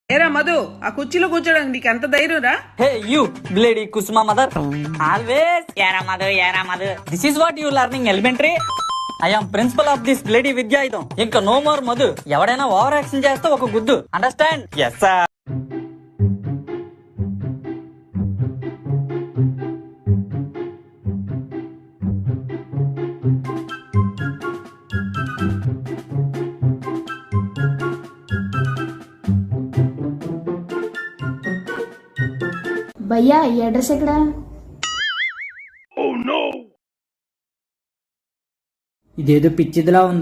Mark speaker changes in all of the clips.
Speaker 1: ఏరా మధు, ఆ కుర్చీలో కూర్చోడానికి నీకు ఎంత ధైర్యం రా?
Speaker 2: Hey you bloody Kusuma mother, always యారా Madhu. This is what you learning elementary. I am principal of this bloody విద్యాయుధం. ఇంకా నో మోర్ మధు. ఎవడైనా ఓవర్ యాక్షన్ చేస్తే ఒక గుద్దు, అండర్స్టాండ్? Yes sir.
Speaker 3: భయ్యా ఈ అడ్రస్ ఎక్కడ?
Speaker 2: ఇదేదో పిచ్చిదిలా ఉంది.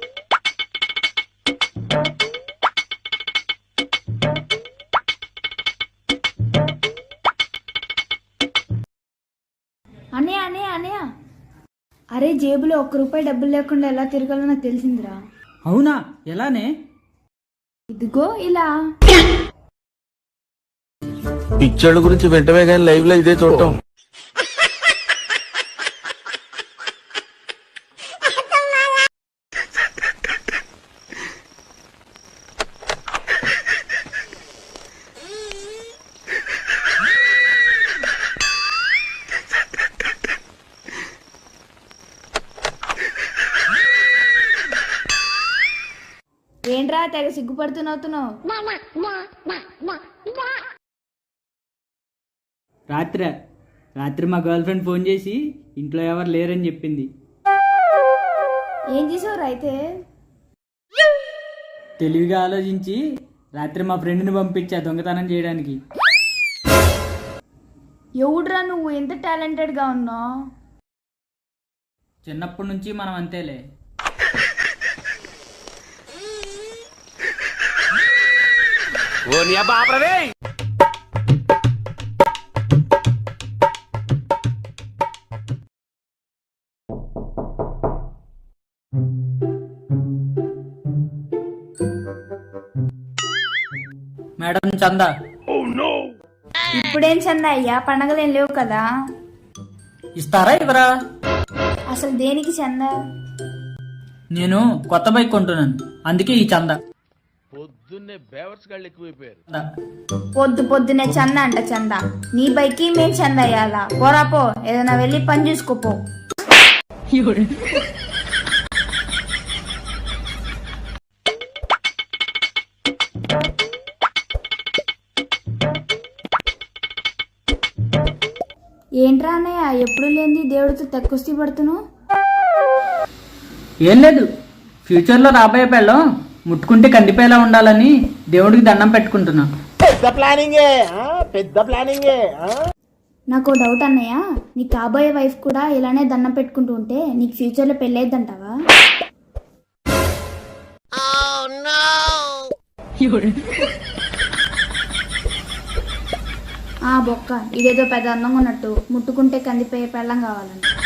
Speaker 3: అనయ్య అరే, జేబులో ₹1 డబ్బులు లేకుండా ఎలా తిరగాలో నాకు తెలిసిందిరా.
Speaker 2: అవునా? ఎలానే?
Speaker 3: ఇదిగో ఇలా.
Speaker 4: పిక్చర్ల గురించి వెంటనే కానీ లైవ్ లో ఇదే చూడటం.
Speaker 3: ఏంట్రా తెగ సిగ్గుపడుతున్నావు?
Speaker 2: రాత్రి మా గర్ల్ ఫ్రెండ్ ఫోన్ చేసి ఇంట్లో ఎవరు లేరని చెప్పింది.
Speaker 3: ఏం చేసావురా అయితే?
Speaker 2: తెలివిగా ఆలోచించి రాత్రి మా ఫ్రెండ్ని పంపించా దొంగతనం చేయడానికి.
Speaker 3: ఎవడ్రా నువ్వు ఎంత టాలెంటెడ్ గా ఉన్నావు?
Speaker 2: చిన్నప్పటి నుంచి మనం అంతేలే. మేడం చందా.
Speaker 3: ఇప్పుడేం చందా అయ్యా, పండగలేం లేవు కదా.
Speaker 2: ఇస్తారా ఇవరా?
Speaker 3: అసలు దేనికి చందా?
Speaker 2: నేను కొత్త బైక్ కొంటున్నాను, అందుకే ఈ చందా.
Speaker 3: పొద్దునే చందా అంట చందా. నీ బైక్కి మేం చందా అయ్యాలా? పోరాపో, ఏదైనా వెళ్ళి పని చూసుకోపో. ఏంట్రా అన్నయ్య ఎప్పుడు లేని దేవుడితో తెక్కుస్తీ పడుతున్నావు?
Speaker 2: ఏం లేదు, ఫ్యూచర్లో రాబోయే పెళ్ళం ముట్టుకుంటే కందిపేలా ఉండాలని దేవుడికి దండం పెట్టుకుంటున్నా.
Speaker 4: పెద్ద ప్లానింగే.
Speaker 3: నాకు డౌట్ అన్నయ్య, నీ కాబోయే వైఫ్ కూడా ఇలానే దండం పెట్టుకుంటూ ఉంటే నీకు ఫ్యూచర్లో పెళ్ళైద్దంటావా? బొక్క, ఇదేదో పెద్ద అందంగా ఉన్నట్టు ముట్టుకుంటే కందిపోయే పెళ్ళం కావాలని.